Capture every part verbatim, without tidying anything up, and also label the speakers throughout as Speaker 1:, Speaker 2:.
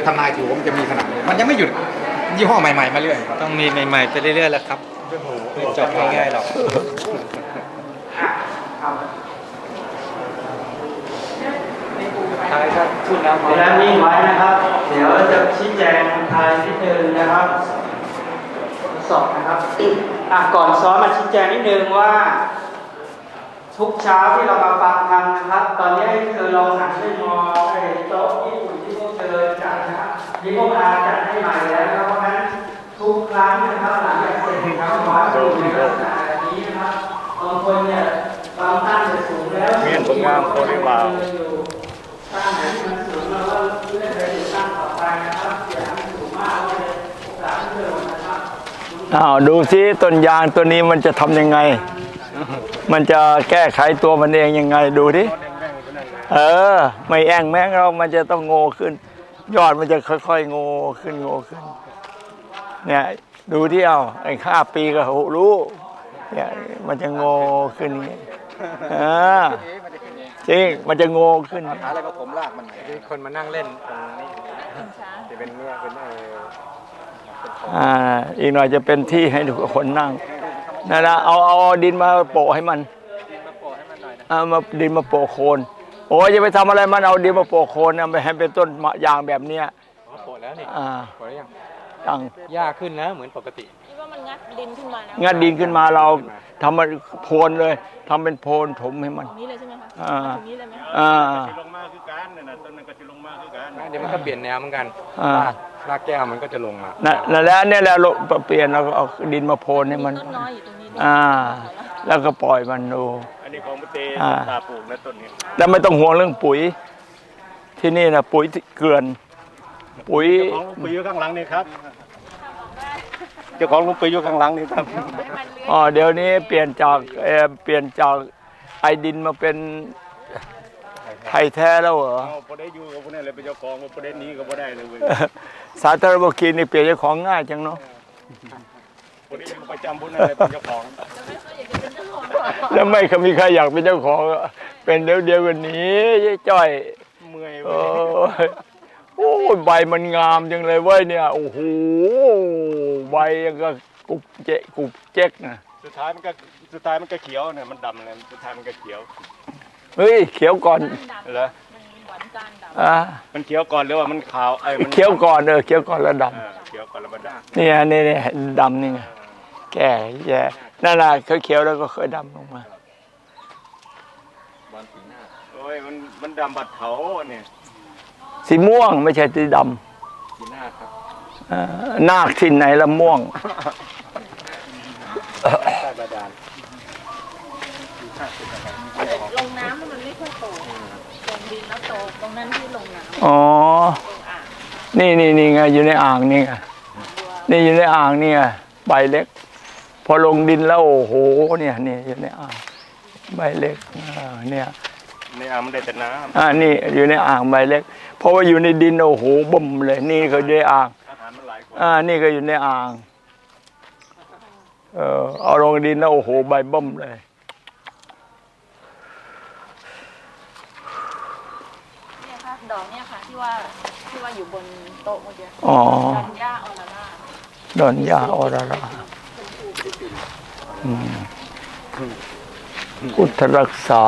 Speaker 1: ทำนายถือว่ามันจะมีขนาดนี้มันยังไม่หยุดยี่ห้อใหม่ๆมาเรื่อย
Speaker 2: ต้องมีใหม่ๆไปเรื่อยๆแหละครับไม่จบง่ายๆหรอกท้ายก็พูดแล้วเวลานิ่งไว้นะครับ เดี๋ยวจะชี้แจงทายนิดนึงนะครับสอบนะครับอ่ะก่อนซ้อมมาชี้แจงนิดนึงว่า ทุกเช้าที่เรามาฟังธรรมนะครับ ตอนนี้เธอลองหันไปมองไอ้โต๊ะญี่ปุ่นที่พวกเธอจัดนะครับนี่พวกอาจัดให้ใหม่แล้วนะครับเพราะฉะนั้นทุกครั้งนะครับหลังจากเสร็จนะครับขอให้ดูในลักษณะแบบนี้นะครับบางคนเนี่ยบางท่านจะสูงแล้วเมียนผลงานโคตรว้าวตั้งไหนที่มันสูงเราก็เลื่อนไปตั้งต่อไปนะครับอย่าให้มันสูงมากเลยโอกาสที่เดิมนะครับอ้าวดูซิต้นยางตัวนี้มันจะทำยังไงมันจะแก้ไขตัวมันเองยังไงดูดิเออไม่แอ่งแม้งเรามันจะต้องโง่ขึ้นยอดมันจะค่อยๆโง่ขึ้นโง่ขึ้นเนี่ยดูที่เอาไอ้ห้าปีก็รู้เนี่ยมันจะโง่ขึ้นอย่างนี้อ่าจริงมันจะโง่ขึ้น
Speaker 1: อะไรก็ผมลากมัน
Speaker 2: มีคนมานั่งเล่นตรงนี้จะเป็นเนี่ยเป็นเออ
Speaker 3: อ่าอีกหน่อยจะเป็นที่ให้ทุกคนนั่งนั่นนะเอาเอาดินมาโปะให้มัน
Speaker 2: ดินมาโปะให้มันหน่อยนะ
Speaker 3: เอามาดินมาโปะโคนโอ้ยจะไปทำอะไรมันเอาดินมาโปะโคนนะไปให้เป็นต้นมะยางแบบเนี้ย
Speaker 2: โปะแล้วนี่
Speaker 3: อ่า
Speaker 2: โปะแล้วยัง
Speaker 3: ยัง
Speaker 2: หญ้าขึ้นแล้วเหมือนปกติ
Speaker 4: คิดว่ามันงัดดินขึ้นมาแล้ว
Speaker 3: งัดดินขึ้นมาเราทำมันโพนเลยทำเป็นโพนถมให้มัน
Speaker 4: ตรงนี้เลยใช่ไหมคะ
Speaker 3: อ่า
Speaker 4: ตรงนี้เลยไหม
Speaker 3: อ่า
Speaker 5: ลงมาคือการเนี่ยนะต้นมันก็จะลงมาคือการ
Speaker 2: เดี๋ยวมันก็เปลี่ยนแนวเหมือนกันรากรากแก้วมันก็จะลงมา
Speaker 3: นั่นแล้วเนี่ยแหละเปลี่ยนเราก็เอาดินมาโพนให้มัน
Speaker 4: ต้นน้อยอยู่ตรงนี้
Speaker 3: อ่าแล้วก็ปล่อยมันดู
Speaker 5: อันนี้ของมุเตตาปลูกนะต้นนี้
Speaker 3: แล้วไม่ต้องห่วงเรื่องปุ๋ยที่นี่นะปุ๋ยเกลือนปุ๋ย
Speaker 5: ของปุ๋ยอยู่ข้างหลังนี่ครับเจ้าของลุงปุ๋ยอยู่ข้างหลังนี่ครับ
Speaker 3: อ๋อเดี๋ยวนี้เปลี่ยนจากเออเปลี่ยนจากไอดินมาเป็นไทยแท้แล้วเหรอ
Speaker 5: พอได้อยู่กับพวกนี้เลยเป็นเจ้าของพอได้นี้ก็พอได้เลย
Speaker 3: สาธารณกิจนี่เปลี่ยนเจ้าของง่ายจังเนาะ
Speaker 5: พอได้อยู่ประจำพวกนั้นเลยเป็นเจ้าของ
Speaker 3: แล้วไม่เคยมีใครอยากเป็นเจ้าของเป็นเดียวเดียวกันนี้จ้อย
Speaker 5: เมื่อย
Speaker 3: โอ้ใบมันงามจังเลยเว้ยเนี่ยโอ้โหใบยังก็กุบเจ๊กุบเจ๊กนะ
Speaker 5: สุดท้ายมันก็สุดท้ายมันก็เขียวเนี่ยมันดำเลยสุดท้ายมันก็เขียว
Speaker 3: เฮ้ยเขียวก่อน
Speaker 5: เหรอ
Speaker 3: อ่า
Speaker 5: มันเขียวก่อนหรือว่ามันขาวไอ้
Speaker 3: เขียวก่อนเออเขียวก่อนแล้วด
Speaker 5: ำเขียวก่อนแล้วมันด
Speaker 3: ำนี่นี่นี่ดำนี่ไงแก่แย่นั่นแหละเขาเขียวแล้วก็เคยดำลงมา
Speaker 5: โอ้ยมันมันดำบัดเถาเนี่ย
Speaker 3: สีม่วงไม่ใช่สีด
Speaker 5: ำสีนาคครับ
Speaker 3: นาคที่ไหนละม่วง
Speaker 5: ใต้บาดาล
Speaker 4: ลงน้ำมันไม่ค่อยโตลงดินแล้วโตตรงนั้นที่ลงน้
Speaker 3: ำอ๋อนี่นี่นี่ไงอยู่ในอ่างนี่ไงนี่อยู่ในอ่างนี่ไงใบเล็กพอลงดินแล้วโอ้โหเนี่ยนี่อยู่ในอ่างใบเล็กเนี่ย
Speaker 5: ในอ่างมันได้แต่น้ำ
Speaker 3: อ่านี่อยู่ในอ่างใบเล็กเพราะว่าอยู่ในดินโอ้โหบ่มเลยนี่ก็อยู่ในอ่างอ่านี่ก็อยู่ในอ่างเออเอาลงดินแล้วโอ้โหใบบ่มเลย
Speaker 4: เนี่ยค่ะดอกเนี่ยค่ะที่ว่าที่ว่าอยู่บนโต๊ะเมื่อกี้
Speaker 3: อ๋อ
Speaker 4: ดอนย่าออราร่า
Speaker 3: ดอนย่าออราร่าพุทธรักษา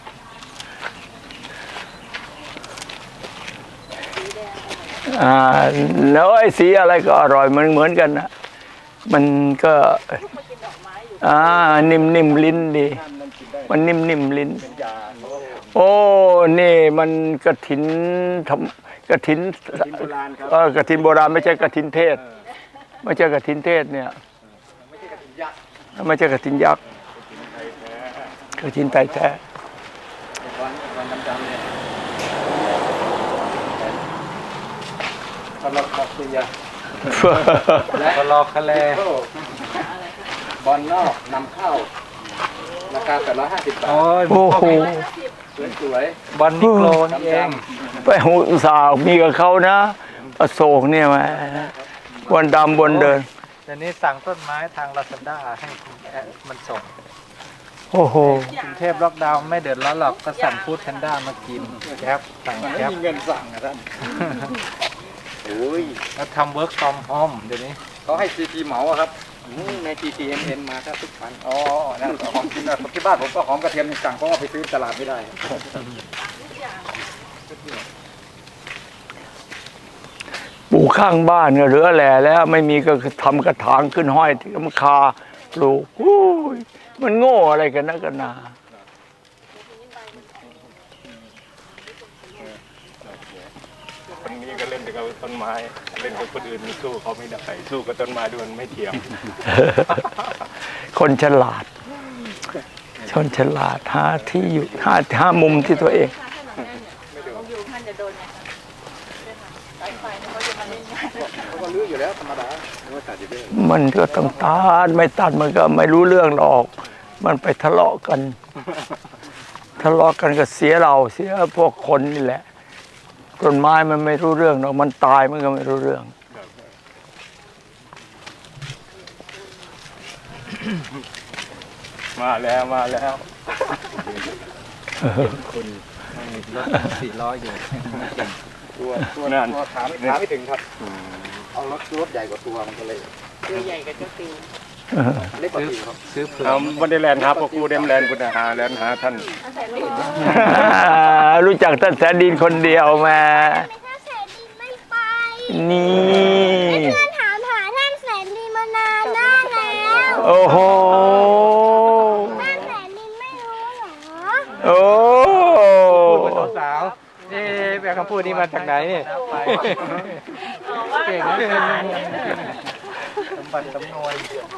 Speaker 3: อ่าแล้วไอ้สีอะไรก็อร่อยมันเหมือนกันนะมันก็อ่านิ่มนิ่มลิ้นดีมันนิ่มนิ่มลิ้นโอ้นี่มันกฐินทำกฐินเออกฐินโบราณไม่ใช่กฐินเทศไม่ใช่กฐินเทศเนี่ยไม่ใช่กฐินยักษ์กฐินไทยแท้
Speaker 2: ตลอดคอเสียและตลอดคะแลบอลนอกนำเข้าราคาแปดร้อยห้าสิบบาท
Speaker 3: โอ้โห
Speaker 2: สวยๆบอลนิโคลนเอง
Speaker 3: ไปหูสาวมีกับเขานะอโศกเนี่ยมาวันดำบนเดิน
Speaker 2: เดี๋ยวนี้สั่งต้นไม้ทางลาซาด้าให้มันส่ง
Speaker 3: โอ้โห
Speaker 2: กรุงเทพล็อกดาวน์ไม่เดือดร้อนหรอกก็สั่งฟู้ดแพนด้ามากินแก๊ปสั่งแก๊ป
Speaker 5: มีเงินสั่งนะท่านแล้วทำ work from home เดี๋ยวนี้
Speaker 1: เขาให้ซีทีเหมาอะครับอืมใน จี ที เอ็น เอ็น มาครับทุกคันอ๋อนั่นหอมจริงนะที่บ้านผมก็หอมกระเทียมสั่งเพราะว่าไปซื้อตลาดไม่ได้
Speaker 3: ปลูกข้างบ้านก็เหลือแหล่แล้ว ไม่มีก็ทำกระถางขึ้นห้อยที่ลำคาปลูกอุ้ยมันโง่อะไรกันนะกันนา
Speaker 5: คนนี้ก็เล่นกับต้นไม้เล่นกับคนอื่นมันสู้เขาไม่ได้สู้กับต้นไม้ด้วยมันไม่เทียม
Speaker 3: คนฉลาด ชนฉลาดหาที่อยู่หาหามุมที่ตัวเอง
Speaker 4: อยู่ท่านจะโดนไงสายไฟเขาจะมาเล่นงาน
Speaker 1: เขาก็ลื้ออยู่แล้วธรรมดาไม่ตัดอยู่ด้วย
Speaker 3: มันก็ต้องตัดไม่ตัดมันก็ไม่รู้เรื่องหรอก มันไปทะเลาะกัน ทะเลาะกันก็เสียเราเสียพวกคนนี่แหละต้นไม้มันไม่รู้เรื่องหรอกมันตายมันก็ไม่รู้เรื่อง
Speaker 5: มาแล้วมาแล้ว
Speaker 1: คุณรถสี่ล้ออยู่
Speaker 5: ตัวตัวนั่น
Speaker 1: ตัวขาไม่ขาไม่ถึงครับเอารถรถใหญ่กว่าตัวมันก็เลย
Speaker 4: ตัวใหญ่กับเจ้าติว
Speaker 1: เล็กกว่าติวครับซื้อเผื่อ
Speaker 5: เอาวันเดแลนด์ครับพวกกูเดมแลนด์กูหาแลนด์หาท่าน
Speaker 3: รู้จักท่านแสนดินคนเดียวแม่
Speaker 6: ถ้าแสนดีไม่ไป
Speaker 3: นี่
Speaker 6: เพื่อนถามหาท่านแสนดีมานานมากแล้ว
Speaker 3: โอ้โห
Speaker 6: ท่านแสนดีไม่รู้เหรอ
Speaker 3: โอ้
Speaker 1: สาวนี่แม่คำพูดนี้มาจากไหนเนี่ย
Speaker 4: เก่งนะ
Speaker 1: สมบัติสำนวน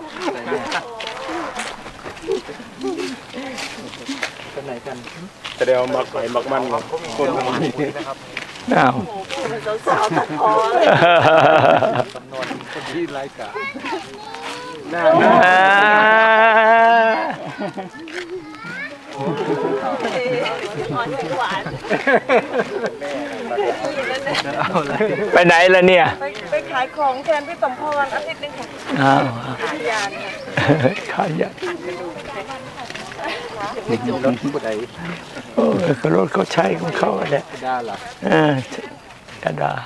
Speaker 1: คนไหนกัน
Speaker 5: จะได้เอามักไปมักมันกับคนประมาณนี้
Speaker 3: อ้าว
Speaker 4: สาวๆตัดคอเลย
Speaker 1: สำนวนคนที่ไร้กาจ
Speaker 3: อ่า
Speaker 4: อ่อนหวาน
Speaker 3: ไปไหนล่ะเนี่ย
Speaker 4: ไปไปขายของแทนพี่สมพรอาทิตย์นึงค่ะ
Speaker 3: อ้าว
Speaker 4: ขายยานค่ะ
Speaker 3: ขายยาร
Speaker 1: ถผู้ใด
Speaker 3: โอ้ยก็รถเขาใช้ของเขาแหละ
Speaker 1: ได้หรอ
Speaker 3: เออดาดาร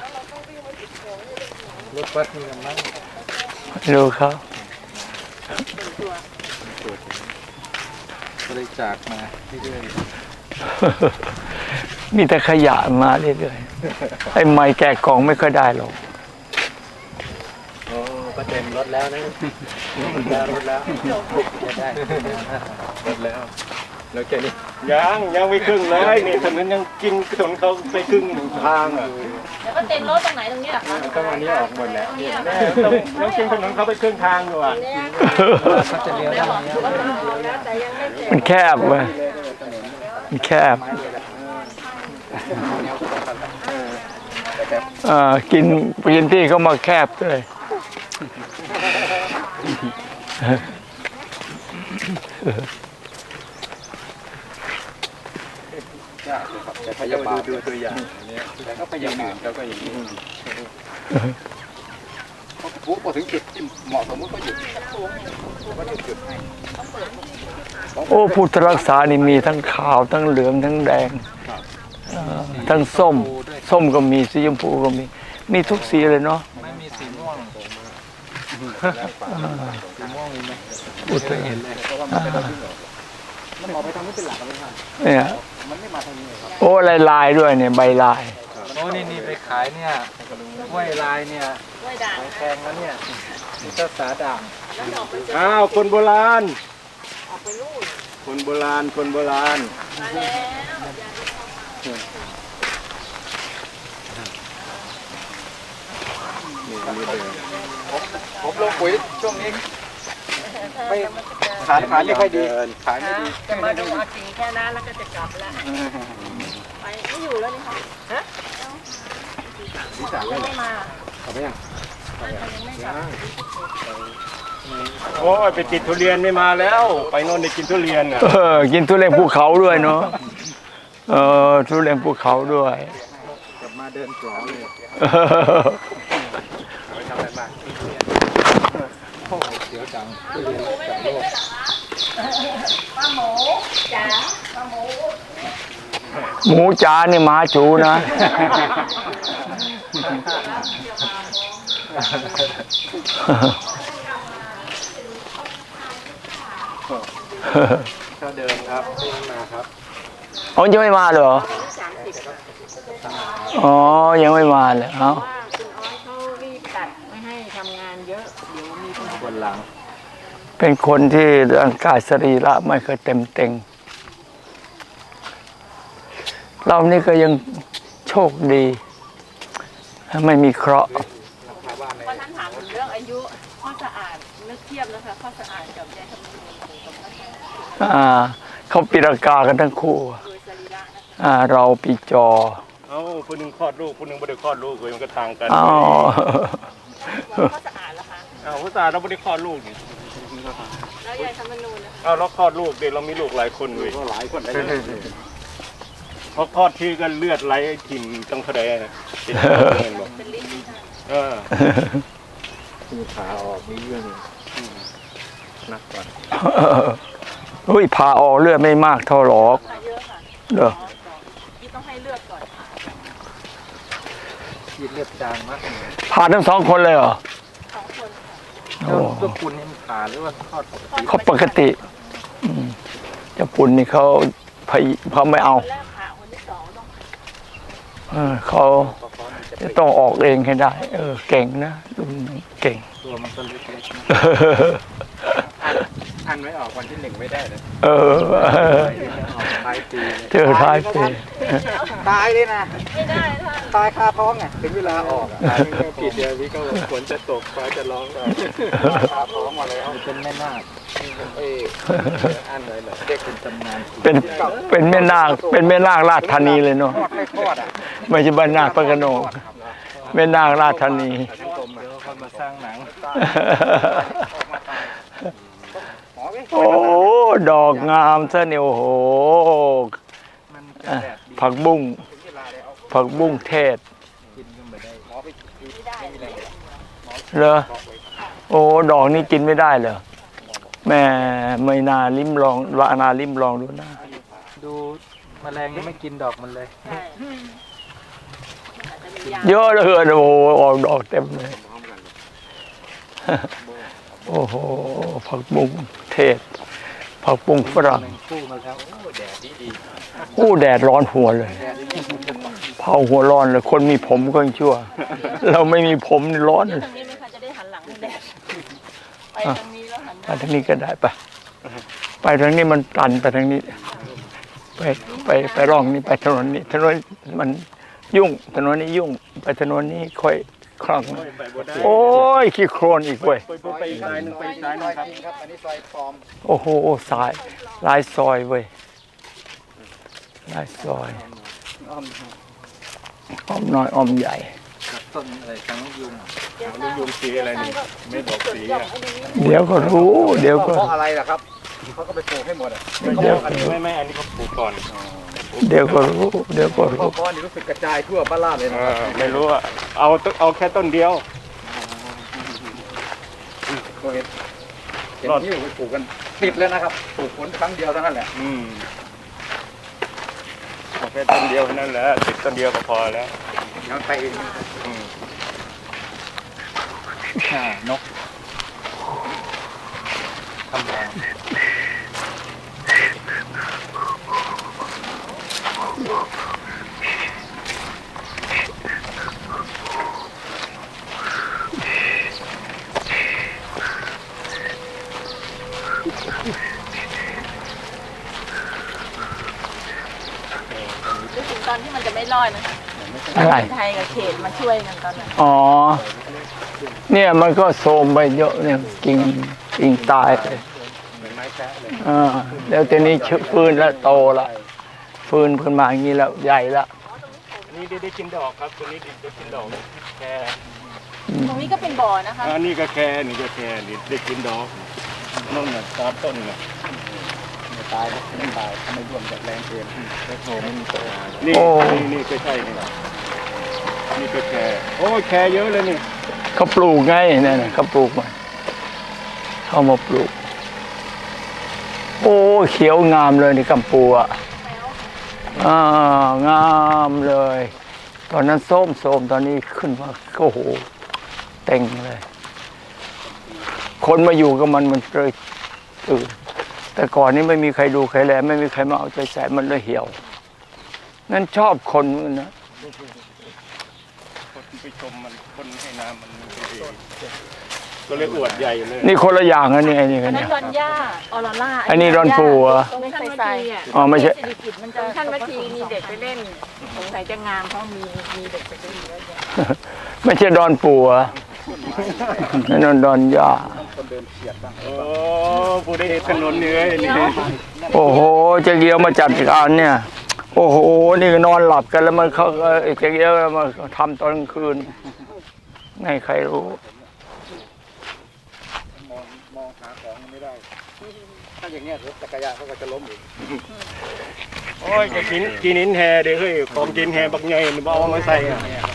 Speaker 1: ถบัสมีกันมั้ง
Speaker 3: ดูเขา
Speaker 1: บริจาคมาเรื่อย
Speaker 3: มีแต่ขยะมาเรื่อยๆไอ้ไม้แกะกล่องไม่ค่อยได้หรอก
Speaker 1: ๆโอ้ก็เต็มรถแล้วนะได้รถแล้วจะได้รถแล้วแล้วแค่นี้
Speaker 5: ยังยังไม่ครึ่งเลยนี่ถนนยังกินถนนเขาไปครึ่งทางอ่ะ
Speaker 4: แล้วก็เต็มรถตรงไหนตรงนี้เหรอคะ
Speaker 5: ต้องอันนี้ออกหมดแล้วแม่ต้องต้องกินถนนเขาไปครึ่งทางอยู่อ่ะ
Speaker 1: เขาจะเลี้ยวได้ไหม
Speaker 4: แต่ยังไม่เสร็จ
Speaker 3: มันแคบเว้ยมันแคบเอ่อกินกินที่เขามาแคบเลย
Speaker 1: แต่พยาบาลดูตัวอย่างแต่ก็พยายามเขาก็อย่างนี้เขาปุ๊บพอถึงจุดที่เหมาะสมก็หยุดก็หยุดหยุดให้
Speaker 3: โอ้พุทธรักษานี่มีทั้งขาวทั้งเหลืองทั้งแดงเอ่อทั้งส้ม ส้มก็มีสีชมพูก็มี มีทุกสีเลยเนาะ
Speaker 1: ไม่มีสีม่วงสีม่วงมีไหม
Speaker 3: พุทธ
Speaker 1: เห็นเลยเพราะว่ามันเป็นมันออกไปทางนี้เป็นหลักเลยครับ
Speaker 3: เนี่ย
Speaker 1: มันไม่มาทางนี้ครับ
Speaker 3: โอ้ลายลายๆด้วยเนี่ยใบลาย
Speaker 1: โอ้นี่นี่ไปขายเนี่ยกล้วยลายเนี่ย
Speaker 4: ด้วยด่าง
Speaker 1: แพงแล้วเนี่ยนี่ก็สาด่าง
Speaker 4: แล้วออกไป
Speaker 5: อ้าวคนโบราณ
Speaker 4: ออกไปนู่น
Speaker 5: คนโบราณคนโบราณ
Speaker 4: มาแล้ว
Speaker 1: ผมลงปุ๋ยช่วงนี้ไม่ขายขายไม่ค่อยดีขายไม่ดี
Speaker 4: จะมาดูอาจีแค่นั้นแล้วก็จะกลับแล้วไปไม่อยู่แล้วนี่ค่ะฮะยังไม่มา
Speaker 1: เอาไปยัง
Speaker 4: ยังไม่กลับ
Speaker 5: โอ้ยไปติดทุเรียนไม่มาแล้ว ไปโน่นได้กินทุเรียนอ่ะ
Speaker 3: เออกินทุเรียนภูเขาด้วยเนาะเออทุเรียนภูเขาด้วย
Speaker 1: กลับมาเดินสวนเลย
Speaker 3: เออ
Speaker 1: ไปทำอะไรบ้างโอ้โหเสียวจังทุเรียนจากโลก
Speaker 4: ป้าหมูจ๋าป้าหมู
Speaker 3: หมูจ๋านี่หมาจูนะ
Speaker 1: เขาเดินครับที่มาครับ
Speaker 3: อ๋อยังไม่มาเหรอ
Speaker 4: สามสิบค่ะ
Speaker 3: อ๋อยังไม่มาเลยเอ้า
Speaker 4: ว่าคุณอ้อยเขารีบตัดไม่ให้ทำงานเยอะ เดี๋ยวมีปัญหา
Speaker 1: บนหลัง
Speaker 3: เป็นคนที่ร่างกายสรีระไม่เคยเต็มเต็งเรานี่ก็ยังโชคดี ไม่มีเคราะห์
Speaker 4: วันนั้นถามถึงเรื่องอายุข้อสะอาดนึกเทียบนะคะข้อสะอาดกับยายคำนวณกับข้อสะอาด
Speaker 3: อ่าเขาปีรากากันทั้งคู่
Speaker 4: โดยสรีระนะคะ
Speaker 3: อ่าเราปีจอ
Speaker 5: เอ้าผู้หนึงคลอดลูกผู้หนึงไม่ได้คลอดลูกเลยมันก็ทางกัน
Speaker 3: อ๋อ
Speaker 4: ข้อสะอาดเหรอคะ
Speaker 5: อ้าวผู้ชายเราไม่ได้คลอดลูกนี่
Speaker 4: แล้วยายคำนวณนะคะ
Speaker 5: อ้าวเราคลอดลูกเด็กเรามีลูกหลายคนเลย
Speaker 1: ก็หลายคนเลย
Speaker 5: เพราะคลอดที่ก็เลือดไหลถิ่มตั้งเท่าใดนะติดเงินบอก
Speaker 4: เป็นลิ้นนี่ค่ะ
Speaker 5: เออ
Speaker 1: มีขาออกมีเรื่องนักก่อน
Speaker 3: เฮ้ยผ่าออกเลือดไม่มากเท่าหรอก
Speaker 4: เยอะค่ะ
Speaker 3: เด้อ
Speaker 4: ที่ต้องให้เลือดก่อนค่ะ
Speaker 1: ยีดเลือดจางมากเลย
Speaker 3: ผ่าทั้งสองคนเลยเหรอ
Speaker 4: สองคนค่ะ
Speaker 3: โอ้
Speaker 1: แล้วลูกคุณนี่มันขาหรือว่าทอดปกติ
Speaker 3: เขาปกติอืมเจะปุ่นนี่เขาพยเขาไม่เอา
Speaker 4: คนแรกผ่าคนที่สองต้อง
Speaker 3: เออเขาจะต้องออกเองให้ได้ เออ เก่งนะรุ่นนี้เก่ง
Speaker 1: ตัวมันก็เล็กๆนะอันไว้ออกวันที่หนึ่งไม่ได้เลย
Speaker 3: เออ
Speaker 1: ออกท้ายปี
Speaker 3: เจอท้ายปี
Speaker 1: ตายเลยนะ
Speaker 4: ไม่ได้ค่ะ
Speaker 1: ตายคาท้องไงถึงเวลาออกอ่ะผิดเดียวนี้ก็ฝนจะตกฟ้าจะร้องคาท้องมาแล้วเป็นแม่นาคเอ้อันเลยเหรอเด็กเป็นตำนาน
Speaker 3: เป็นเป็นแม่นาคเป็นแม่นาคราชธานีเลยเนาะ
Speaker 1: ทอดไม่ทอดอ่ะ
Speaker 3: ไม่ใช่บ้านนาคพระโขนงแม่นาคราชธานี
Speaker 1: ทั้งกลมเดี๋ยวคนมาสร้างหนัง
Speaker 3: โอ้ดอกงามซะเนี่ยโอ้โห
Speaker 1: มันจะ
Speaker 3: อ่ะ
Speaker 1: แดดดี
Speaker 3: ผักบุ้งผักบุ้งเทศ
Speaker 1: กินก็ไม่ได้หมอไปกินไม่ได้
Speaker 3: เหรอโอ้ดอกนี้กินไม่ได้เหรอแม่ไม่นาลิ้มลองวานาลิ้มลองดูนะ
Speaker 1: ดูแมลงยังไม่กินดอกมันเลย
Speaker 4: ใช่อาจจะมียา
Speaker 3: เยอะเหลยโอ้โหออกดอกเต็มเลยโอ้โหผักบุ้งเทศผักบุ้งฝรั่ง
Speaker 1: หนึ่งคู่มาแล้วโอ้แดดดีดี
Speaker 3: โอ้แดดร้อนหัวเลยเผาหัวร้อนเลยคนมีผมก็ยังชั่ว เราไม่มีผมนี่ร้อน
Speaker 4: เดี๋
Speaker 3: เลย
Speaker 4: วยทางนี้ไหมคะจะได้หันหลังให้แดดไปทางนี้แล้วหันห
Speaker 3: ไป
Speaker 4: น้า
Speaker 3: ทางนี้ก็ได้ปะไปทางนี้มันตันไปทางนี้ ไปไปไปร่องนี้ไปถนนนี้ถนนมันยุ่งถนนนี้ยุ่ง ไปถนนนี้ค่อยคล่อง
Speaker 5: ไปบ่ได้
Speaker 3: โอ้ยขี้โครนอีกเว้ย
Speaker 5: ไปไปไปอีกสายหนึงไปอีกสายหนึงครับ
Speaker 1: ครับอันนี้ซอยปลอม
Speaker 3: โอ้โหสายลายซอยเว้ยลายซอย
Speaker 1: อ้อม
Speaker 3: อ้อมน้อยอ้อมใหญ่
Speaker 1: กับต้นอะไรทั้งยุง
Speaker 5: ลูกยุงสีอะไรนี่ไม่บอกสีอ่ะ
Speaker 3: เดี๋ยวก็รู้ เดี๋ยวก็
Speaker 1: เพราะอะไรล่ะครับเขาก็ไปปลูกให้หมดอ่ะ
Speaker 3: เดี๋ยว
Speaker 5: อันนี้ไม่ไม่อันนี้เขาปลูกก่อน
Speaker 3: เดี๋ยวก็รู้ เดี๋ยวก็
Speaker 1: เพ
Speaker 3: รู้
Speaker 1: ราะก้อนนี่รู้สึกกระจายทั่วบ้านลาดเลยนะ
Speaker 5: เออไม่รู้อ่ะเอาต้นเอาแค่ต้นเดียว
Speaker 1: ก็เห็นเห็นที่ไปปลูกกันติดแล้วนะครับปลูกผลครั้งเดียวเท่านั้นแหละ
Speaker 5: อืมเอาแค่ต้นเดียวเท่านั้นแหละติดต้นเดียวก็พอแล้ว
Speaker 1: ยังไปเอง
Speaker 5: อืม
Speaker 1: อ่านกทำรัง
Speaker 4: นึกถึงตอนที่มันจะไม่รอดนะคะ
Speaker 3: อะไร
Speaker 4: ไทยกับเขตมาช่วยกันตอนนั้น
Speaker 3: อ๋อ เนี่ยมันก็โทรมไปเยอะเนี่ยกิ่งกิ่งตายไป
Speaker 1: เหมือนไม้แคะเลย
Speaker 3: อ่าแล้วทีนี้ชฟื้นแล้วโตละฟื้นขึ้นมาอย่างนี้แล้วใหญ่ละ
Speaker 5: อันนี้ได้ได้กินดอกครับตัวนี้ได้กินดอกแค่
Speaker 4: ตรงนี้ก็เป็นบ่อนะคะ
Speaker 5: อันนี้ก็แค่นี่ก็แค่นี่ได้กินดอกนั่นน่ะตามต้นน่ะ
Speaker 1: ไม่ตายนะไม่ตายทำไมร่วมจากแรงเกมแล้วโผล่ไม่มีโต
Speaker 5: นี่นี่นี่ก็ใช่นี่นี่ก็แค่โอ้ยแค่เยอะเลยนี่
Speaker 3: เขาปลูกไงเนี่ยนะเขาปลูกมาเขามาปลูก โอ้เขียวงามเลยนี่กัมปูอ่ะอ่างามเลย ตอนนั้นส้มส้มตอนนี้ขึ้นมาโอ้โหเต็งเลย คนมาอยู่กับมันมันเลยตื่นแต่ก่อนนี้ไม่มีใครดูใครแลไม่มีใครมาเอาใจใส่มันเลยเหี่ยวนั่นชอบคนมันนะ
Speaker 5: คนไปชมมันคนให้น้ำมันไม่ดีก็เลยอวดใหญ่เลย
Speaker 3: นี่คนละอย่างนะนี่ไอ้นี่
Speaker 4: อั
Speaker 3: กัน น
Speaker 4: นั้
Speaker 3: เนี่
Speaker 4: น
Speaker 3: ย
Speaker 4: ดอนย่าออร่าล่า
Speaker 3: อันนี้ดอนปูเหรอ
Speaker 4: ตรงท่านวัทีอ่ะ
Speaker 3: อ๋อไม่ใช่
Speaker 4: เศรษฐกิจมันจะท่านวัทีมีเด็กไปเล่นสงสัยจะงามเพราะมีมีเด็กไปเล่นเยอะแยะ
Speaker 3: ไม่ใช่ดอนปูเหรอนั่นดอนดอนย่า
Speaker 5: โอ้ผู้ได้เห็นถนนเหนื่อยนี่
Speaker 3: โอ้โหเจ๊เกียวมาจัดการเนี่ย โอ้โหนี่ก็นอนหลับกันแล้วมันเขาเอ่อเจ๊เกียวมาทำตอนกลางคืนไม่ใครรู้
Speaker 1: มองมองหาของไม่ได้ ถ้าอย่างเงี้ยรถจักรยานเขาก็จะล้มอีก
Speaker 5: โอ้ยจะกินกินนินแฮเด้อเฮ้ยของกินแฮบักใหญ่นี่บ่เอามาใส่อะ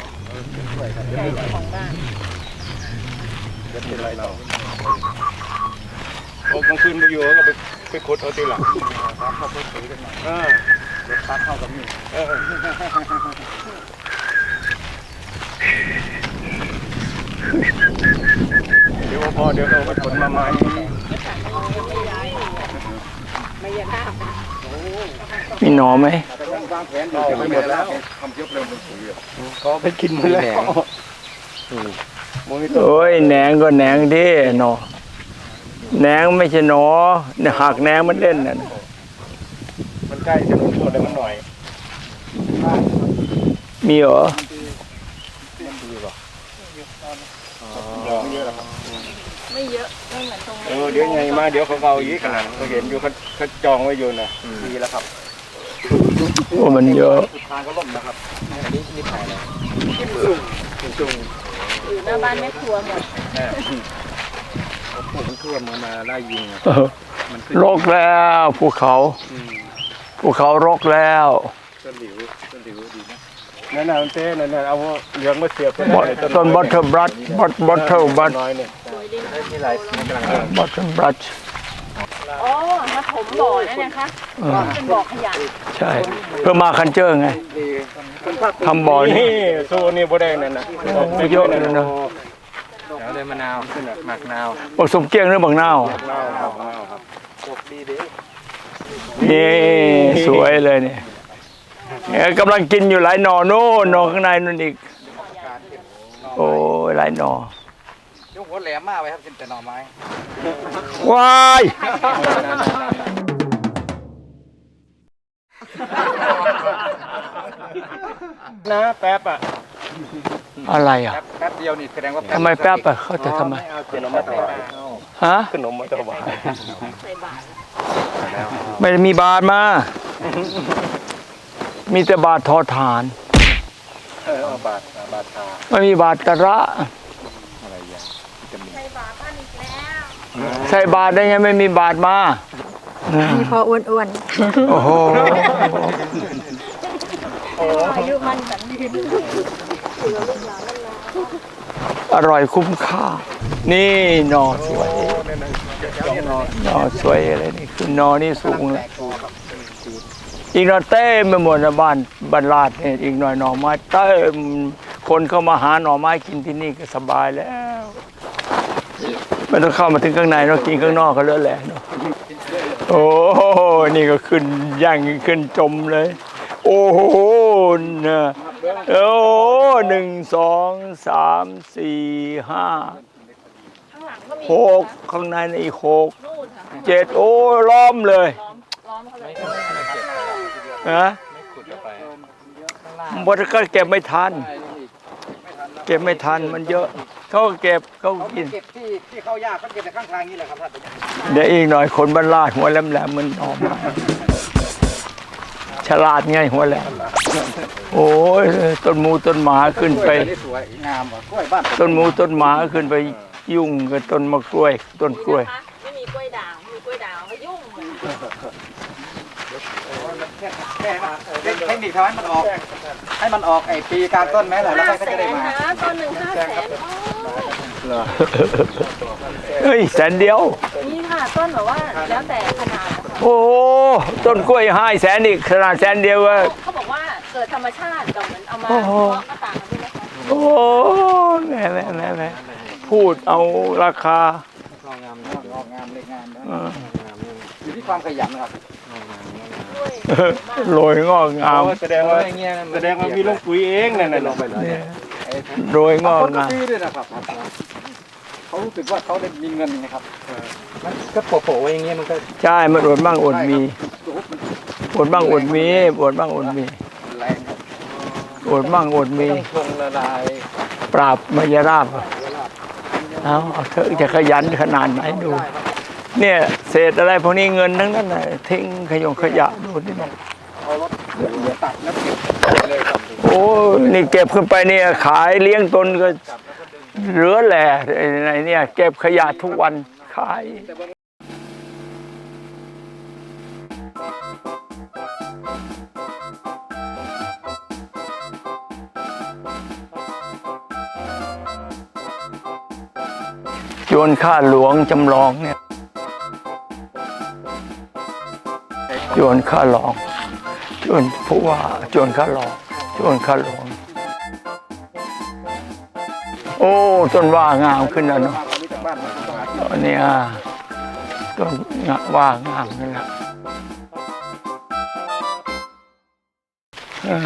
Speaker 1: จะเป็นไรเรา
Speaker 5: โอ้กลางคืนไปอยู่ก็ไปไปขุดเอาทีหลัง
Speaker 1: ตามเข้าไปถือกันหน่อย
Speaker 5: เออ
Speaker 1: รถพักเข้ากับนี่
Speaker 5: เออเดี๋ยวพอเดี๋ยวเราไปขนมาใหม่
Speaker 3: มีหนอไหม
Speaker 1: แต่ยังวางแผนอยู่จะไม่หมดแล้วทำเยอะเร็วเป็นปุ๋ยอ่ะ
Speaker 5: เขาไปกินหมดแล้วมือ
Speaker 3: โอ้ยแหนงก็แหนงดิหนอแหนงไม่ใช่หนอเนี่ยหักแหนงมันเล่นน่ะนะ
Speaker 5: มันใกล้จะลงตัวเลยมันหน่อย
Speaker 3: มีเหรอ
Speaker 5: ไม่เยอะหรอกครับ
Speaker 4: ไม่เยอะไม่เหมือนตรง
Speaker 5: เออเดี๋ยวไงมาเดี๋ยวเขาเอาอีกขนาดเขาเห็นอยู่เขาเขาจองไว้อยู่นะ
Speaker 1: ดีแล้วครับ
Speaker 3: โอ้มันเยอะ
Speaker 1: สุดทางก็ล่มนะครับอันนี้นี่ถ่ายเลย
Speaker 4: อยู่หน้าบ้านแม่ครัวหมด
Speaker 1: ผมท่วมมามาไล่ยิง
Speaker 3: เออรกแล้วภูเขาภูเขารกแล้ว
Speaker 1: ต้นหลิวต้นหลิวดีนะ
Speaker 5: นั่นน่ะมันเต้นั่นน่ะเอาเหลืองมาเสียบ
Speaker 3: บอทต้นบัตเทอร์บรัชบัตบัตเทอร์บัต
Speaker 5: น้อยเนี่ย
Speaker 1: มีหลายสีกำลัง
Speaker 3: บัตเทอร์บรัช
Speaker 4: อ๋อมาถมบ่อนั่นนะคะเป็นบ่อขยะ
Speaker 3: ใช่ เพื่อมาคันเจอร์ไง
Speaker 1: ดีคุณภาค
Speaker 3: ทำบ่อนี่
Speaker 5: นี่โซนี่บ่ได้นั่นน่ะ
Speaker 3: เยอะเลยนะ
Speaker 1: เดี๋ยวเลยมะนาวหมักนาว
Speaker 3: ผสมเกี้ยงหรือบางนาวอ่ะ
Speaker 5: เน่าครับ
Speaker 1: ครับปกดีดี
Speaker 3: นี่สวยเลยเนี่ยเนี่ยกำลังกินอยู่หลายหนอโน่นหนอข้างในนั่นอีก โอ้ยหลายหนอย
Speaker 1: กหัวแหลมมากไปครับกินแต่หน่อไม้
Speaker 3: ว้าย
Speaker 5: นะแป๊บอ่ะ
Speaker 3: อะไรอ่ะ
Speaker 1: แป๊บแป๊บเดียวนี่แสดงว่า
Speaker 3: ทำไมแป๊บอ่ะเขาจะทำไม
Speaker 5: เอาขนมมาถวาย
Speaker 3: ฮะ
Speaker 5: ขนมมาถวาย
Speaker 4: ใส่บาตร
Speaker 3: ไม่ได้มีบาทมา มีแต่บาททอฐาน
Speaker 5: เออเอาบาทบาทชา
Speaker 3: ไม่มีบาทกระ
Speaker 1: อะไรอย่าง
Speaker 4: ใส่บาตรบ้านอีกแล้ว
Speaker 3: ใส่บาทได้ไงไม่มีบาทมา
Speaker 7: มีพออ้วน
Speaker 3: โอ้โห
Speaker 4: อายุมันสันยืน
Speaker 3: อร่อยคุ้มค่า นี่หนอสวยหนอสวยอะไรนี่คือหนอนี่สูงเลยอีกหน่อยเต้มไปหมดนะบ้านบ้านลาดเนี่ยอีกหน่อยหน่อไม้เต้มคนเข้ามาหาหน่อไม้กินที่นี่ก็สบายแล้วไม่ต้องเข้ามาถึงข้างในเนาะกินข้างนอกก็เลือแหละเนาะโอ้โหนี่ก็ขึ้นย่างขึ้นจมเลย โอ้โหนะโอ้หนึ่งสองสามสี่ห้า
Speaker 4: ข้างหลังก็มี
Speaker 3: หกข้างในนี่อีกหก
Speaker 4: นู่นค่ะ
Speaker 3: เจ็ดโอ้ล้อมเลย
Speaker 4: ล้อมล้อมเขาเลย
Speaker 3: ฮะบดก็เก็บไม่ทัน เก็บไม่ทันมันเยอะ เขาก็เก็บเขาก็กิน
Speaker 1: เก็บที่ที่เข้ายากก็เก็บแต่ข้างทางนี่แหละครับท่าน
Speaker 3: เดี๋ยวอีกหน่อยคนบ้านลาดหัวแหลมๆมันออกมาฉลาดไงหัวแหลมโอ้ยต้นหมูต้นหมาขึ้นไป
Speaker 1: นี่สวยงามว่ะกล้วยบ้าน
Speaker 3: ต้นหมูต้นหมาขึ้นไปยุ่งกับต้นมะกล้วย ต้นกล้วย
Speaker 4: ไม่มีกล้วยด่างมีกล้วยด่างก็ยุ่ง
Speaker 1: แค่แค่เทคนิคทำให้มันออก ให้มันออกไอ้ปีกลางต้นไหมล่ะแล้ว
Speaker 4: ห้า
Speaker 1: ก็
Speaker 4: แส
Speaker 1: จะได้
Speaker 4: น
Speaker 1: มา
Speaker 4: นะต้นหนึ่งห้าแสน
Speaker 3: เฮ้ยแสนเดียว
Speaker 4: นี่ค่ะต้นแบบว่าแล้วแต่ขนาดนะคะ
Speaker 3: โอ้โหต้นกล้วยห้าแสนอีกขนาดแสนเดียวว่า
Speaker 4: เขาบอกว่าเกิดธรรมชาติกับเหมือนเอามา
Speaker 3: โอ้โห
Speaker 4: เพาะก็ต่างกันด้วยนะคะ
Speaker 3: โอ้แม่แม่แม่แม่พูดเอาราคา
Speaker 1: งอกงามนะงอกงามเล็กงามนะ
Speaker 3: เออ
Speaker 1: อยู่ที่ความขยันนะครับ
Speaker 3: โรยงอกงาม
Speaker 5: แสดงว่าแสดงว่ามีลงปุ๋ยเองนั่นน่ะ
Speaker 1: ลงไปเลย
Speaker 3: เนี่ยโรยงอก
Speaker 1: คนก็
Speaker 3: งาม
Speaker 1: ซื้อด้วยนะครับเขารู้สึกว่าเขาได้มีเงินนะครับมันก็โปะๆไว้อย่างเงี้ยมันก็
Speaker 3: ใช่มันอดบ้างอดมี
Speaker 1: โอ้โหมัน
Speaker 3: อดบ้างอดมีอดบ้างอดมี
Speaker 1: แรงครับ
Speaker 3: อดบ้างอดมี
Speaker 1: ต้องชงละลาย
Speaker 3: ปราบมายราบเอาเอาเถอะจะขยันขนาดไหนดู เนี่ยเศษอะไรพวกนี้เงินทั้งนั้นน่ะทิ้งขยงขยะดูนี่นะ
Speaker 1: เอารถตัดแล้วเก็บเลยครับ
Speaker 3: โอ้นี่เก็บขึ้นไปเนี่ยขายเลี้ยงตนก็เหลือแหล่ไอ้เนี่ยเก็บขยะทุกวันขายจวนข้าหลวงจำลองเนี่ยจวนข้าหลวงจวนผู้ว่าจวนข้าหลวงจวนข้าหลวงโอ้ต้นว่างามขึ้นแล้วเนาะตอนนี้อ่ะต้นว่างามขึ้นแล้วเออ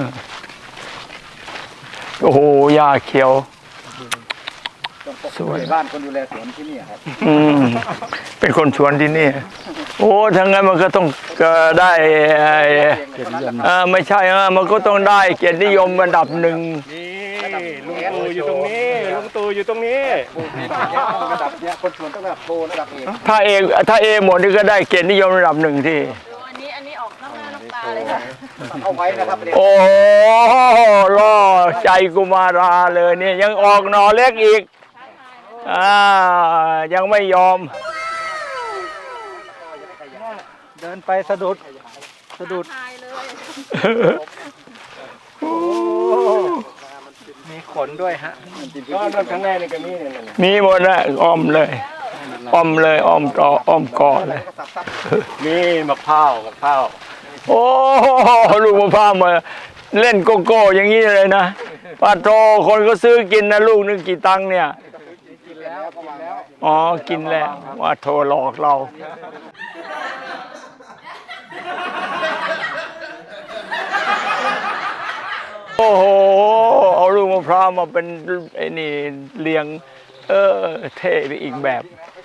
Speaker 3: โอ้โหหญ้าเขียวสวย
Speaker 1: บ้านคนดูแลสวนที่นี่ครับ
Speaker 3: อืมเป็นคนชวนที่นี่ โอ้ทั้งนั้นมันก็ต้องเอ่อได้เอ่อไม่ใช่เออมันก็ต้องได้เกียรตินิยมระดับหนึ่ง
Speaker 5: นี่ลุงตู่อยู่ตรงนี้ลุงตู่อยู่ตรงนี้
Speaker 1: ระดับเนี้ยคนชวนต้องระดับโปรระดับเอก
Speaker 3: ถ้าเอถ้าเอหมดนี่ก็ได้เกียรตินิยมระดับหนึ่งที่
Speaker 4: ดูอันนี้อันนี้ออกน้ำหน้าน้ำตาเลยค่ะ
Speaker 1: เอาไว้นะครับเนี่ย
Speaker 3: โอ้โหล่อใจกุมาราเลยเนี่ยยังออกหนอเล็กอีกอ่ายังไม่ยอม
Speaker 1: เดินไปสะดุดสะดุด
Speaker 4: ทายเลย
Speaker 1: มีขนด้วยฮะ
Speaker 5: ก็รถข้างในนี่ก็มีเนี่ยนั่นน่ะ
Speaker 3: มีหมดนะอ้อมเลยอ้อมเลยอ้อมต่ออ้อมกอเลย
Speaker 5: มีมะพร้าวมะพร้าว
Speaker 3: โอ้ลูกมะพร้าวมาเล่นโกโก้อย่างนี้เลยนะปาโตคนก็ซื้อกินนะลูกนึงกี่ตังค์เนี่ย
Speaker 1: กินแล้วกินแล้ว
Speaker 3: อ๋อกินแล้วว่าโทรหลอกเราโอ้โหเอาลูกมะพร้าวมาเป็นไอ้นี่เลี้ยงเออเท่ไปอีกแบบ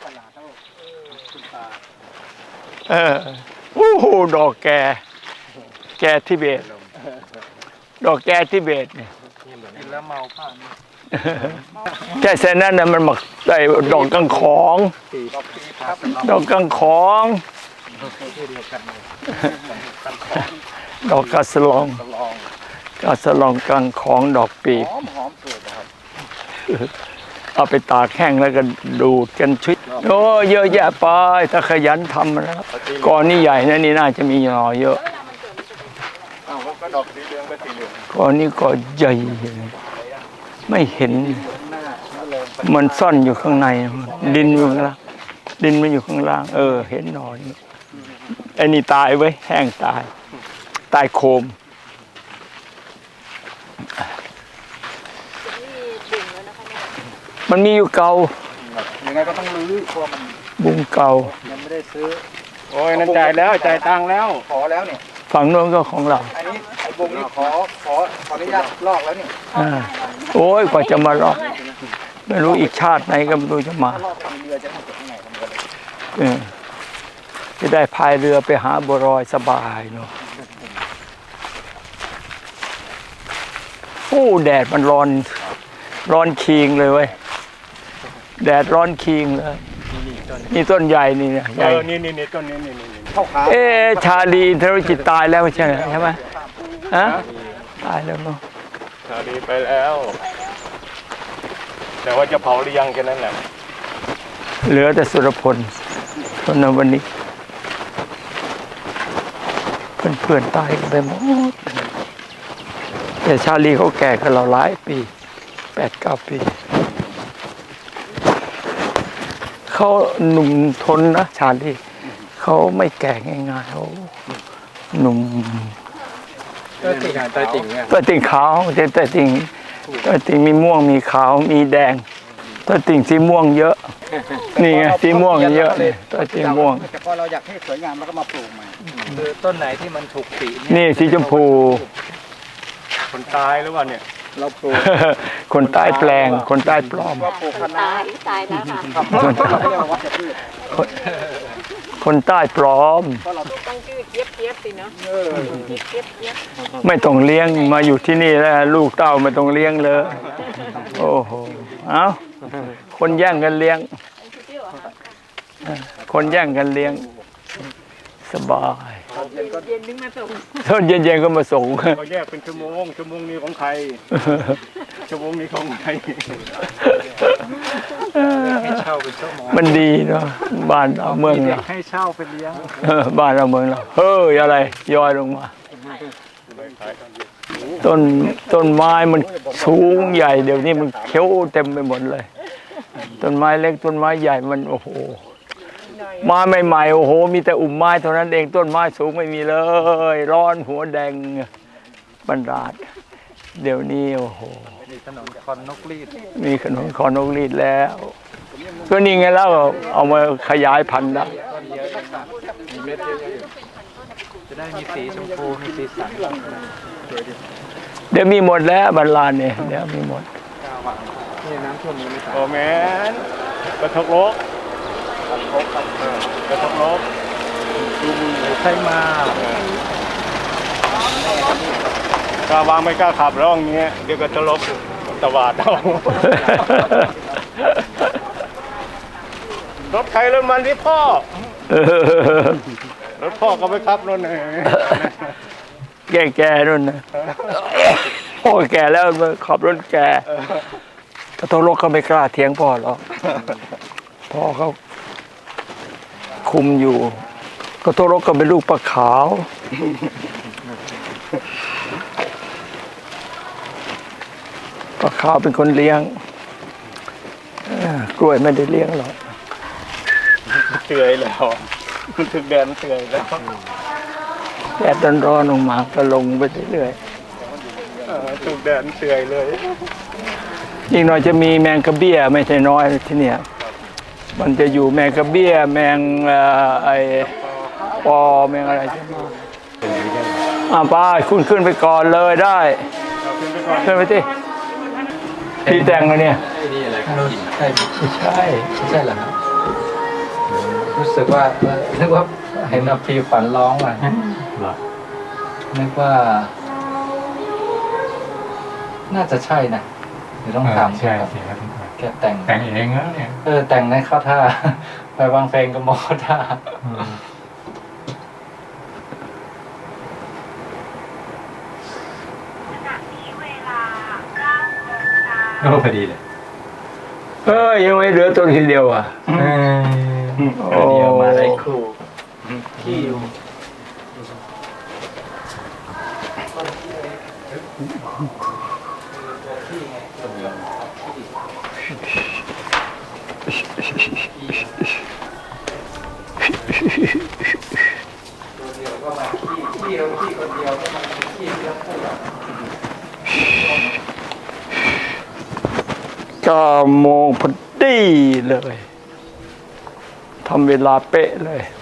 Speaker 3: เออโอ้โหดอกแกแกทิเบตดอกแกทิเบตเนี่ย
Speaker 1: กินแล้วเมาผ้า
Speaker 3: แค่เส้นนั้นน่ะมันหมักใส่ดอกกังของ
Speaker 1: ปีดอกปีครับ
Speaker 3: ดอกกังของดอกกระสลอง
Speaker 1: ลอง
Speaker 3: กระสลองกังของดอกปีบ
Speaker 1: หอมหอมสุดนะครับ
Speaker 3: เอาไปตากแห้งแล้วก็ดูดกันชุดโอ้เยอะแยะไปถ้าขยันทำนะครับก่อนนี่ใหญ่นะนี่น่าจะมีหน่อเยอะ
Speaker 5: อ้าวก็ดอกสีเหลืองก็สีเหลือง
Speaker 3: ก่อนนี้ก็ใหญ่ไม่เห็น มันซ่อนอยู่ข้างใน ดินอยู่ข้างล่างดินมันอยู่ข้างล่าง เออ เห็นหน่อยไอ้นี่ตายไว้ยแห้งตาย ตายโคม มันมีอยู่เก่า
Speaker 1: ยังไงก็ต้องรื้อเพราะมัน
Speaker 3: บุงเก่า
Speaker 1: ยังไม่ได้ซื้อ
Speaker 5: โอ้ยนั่นจ่ายแล้วจ่ายตังค์แล้ว
Speaker 1: ขอแล้วเนี่ย
Speaker 3: ฝั่งโน้นก็ของเรา
Speaker 1: อันนี้ไอ้บุงนี่ขอขอขออนุญาตลอกแล้วนี่
Speaker 3: อ่าโอ้ยกว่าจะมาลอกไม่รู้อีกชาติไหนก็ไม่รู้จะมา
Speaker 1: ลอกทำเรือจะทำจากไหนทำกัน
Speaker 3: เออจะได้พายเรือไปหาบัวรอยสบายเนาะโอ้แดดมันร้อน ร้อนคิงเลยเว้ย แดดร้อนคิงเลย นี่ต้นใหญ่นี่เนี่ยให
Speaker 5: เอ
Speaker 3: ญ่
Speaker 5: อนี่นี่นี่ต้นนี้นี่นี่นี่
Speaker 1: เข้าขา
Speaker 3: เอ๊ะชาลีอินทรจิตตายแล้วไม่ใช่เหรอใช่ไหมฮะตายแล้วเนาะ
Speaker 5: ชาดีไปแล้ว แต่ว่าจะเผาหรือยังแค่นั้นแหละ
Speaker 3: เหลือแต่สุรพลทนวันนี้เพื่อนๆตายกันไปหมดแต่ชาลีเขาแก่กันเราหลายปีแปดเก้าปีเขาหนุ่มทนนะชาลีเขาไม่แก่ง่ายๆเขาหนุ่ม
Speaker 1: ตัวจริงตัวจริงเนี่ย
Speaker 3: ตัวติ่งขาวแต่ตัวติ่งตัวติ่งมีม่วงมีขาวมีแดงต้นติ่งสีม่วงเยอะ นี่ไงสีม่วงเยอะนี่ต้นสีม่วง
Speaker 1: แต่พอเราอยากให้สวยงามเราก็มาปลูกใหม่คือต้นไหนที่มันถูกสี
Speaker 3: นี่สีชมพู
Speaker 5: คนตายหรือว่าเนี่ย
Speaker 1: เราปลูก
Speaker 3: คนใต้แปลง คนใต้ปลอม
Speaker 1: ว่าปลูกคะน้า
Speaker 4: ตายตายแล้วค่ะ
Speaker 1: เขาเรียกว่าวัชพืช
Speaker 3: คนใต้ปลอม
Speaker 4: ต้องชื่อเจี๊ยบเจี๊ยบสิเนาะ
Speaker 1: เออ
Speaker 4: เจี๊ยบเจี๊ยบเจี๊ยบ
Speaker 3: ไม่ต้องเลี้ยงมาอยู่ที่นี่แล้ว ลูกเต้าไม่ต้องเลี้ยงเลย โอ้โห เอ้า คนแย่งกันเลี้ยง คนแย่งกันเลี้ยง สบาย
Speaker 4: เย็นนึงมาส่ง
Speaker 3: ตอนเย็นๆก็มาส่ง
Speaker 5: เขาแยกเป็นชั่วโมงชั่วโมงนี้ของใครชั่วโมงนี้ของใคร
Speaker 1: ให้เช่าเป็นชั่วโมง
Speaker 3: มันดีเนาะบ้านเราเมืองเรา
Speaker 1: ให้เช่าเป็นเลี้ยง
Speaker 3: เออบ้านเราเมืองเราเฮ้ยอะไรย้อยลงมา ต้นต้นไม้มันสูงใหญ่เดี๋ยวนี้มันเขียวเต็มไปหมดเลย ต้นไม้เล็กต้นไม้ใหญ่มันโอ้โหมาใหม่ๆโอ้โหมีแต่อุ่มไม้เท่านั้นเองต้นไม้สูงไม่มีเลย ร้อนหัวแดงบรรดาดเดี๋ยวนี้โอ้โห
Speaker 1: มีถนนคอนนกรีด
Speaker 3: มีขนมคอนกรีดแล้วก็นี่ไงแล้วเอามาขยายพันธุ์ได้
Speaker 1: มีเม็ดเยอะๆจะได้มีสีชมพูมีสีสัน
Speaker 3: เดี๋ยวมีหมดแล้วบรรลานเนี่ยเดี๋ยวมีหมด
Speaker 1: นี่น้ำท่วมยังไม่ตาย
Speaker 5: โอ้แมนกระทกโลกกระทกโลก
Speaker 1: ใช่มา
Speaker 5: กล้าวางไม่กล้าขับร่องเงี้ยเดี๋ยวก็จะลบตวาดเอารถใครรถมันที่พ่อ รถพ่อก็ไปขับรถไหน
Speaker 3: แก่แก่ๆนู่นนะพ่อแก่แล้วมาขับรถแก่ถ้าโทรกก็ไม่กล้าเถียงพ่อหรอกพ่อเขาคุมอยู่ ก็โทรกก็เป็นลูกปลาขาวปลาขาวเป็นคนเลี้ยงเอ้อกล้วยไม่ได้เลี้ยงหรอก
Speaker 5: เตือยแล้วถึงแดนเตือยแล้ว
Speaker 3: แดดร้อนๆลงมาก็ลงไปเรื่อย
Speaker 5: เออถูกแดนเตือยเลย
Speaker 3: ๆอีกหน่อยจะมีแมงกระเบี้ยไม่ใช่น้อยที่เนี่ยมันจะอยู่แมงกระเบี้ยแมงเอ่อไอปอแมงอะไรจะมาอ่าป้าคุณขึ้นไปก่อนเลยได้ขึ้นไปที่พี่แต่งแล้วเนี่ย
Speaker 1: นี่อะไรครับใช่
Speaker 3: ไม่ใช่
Speaker 1: ใช่เหรอครับรู้สึกว่านึกว่าเห็นอภีขวัญร้องอ่ะนึกว่า น่าจะใช่นะเดี๋ยวต้องถาม
Speaker 8: ใช่
Speaker 1: ครับ
Speaker 8: ใช่ครับ
Speaker 1: แกแต่ง
Speaker 8: แต่งเองแล้วเนี่ย
Speaker 1: เออแต่งในเข้าท่า ไปวางเพลงกับหมอท่า
Speaker 8: ก็พอดีเลย
Speaker 3: เอ้ยยังไม่เหลือตัวทีเดียวอ่ะโอ้
Speaker 1: เดียวมาได้ครูที่อยู่
Speaker 3: เก้าโมงพอดีเลยทำเวลาเป๊ะเลย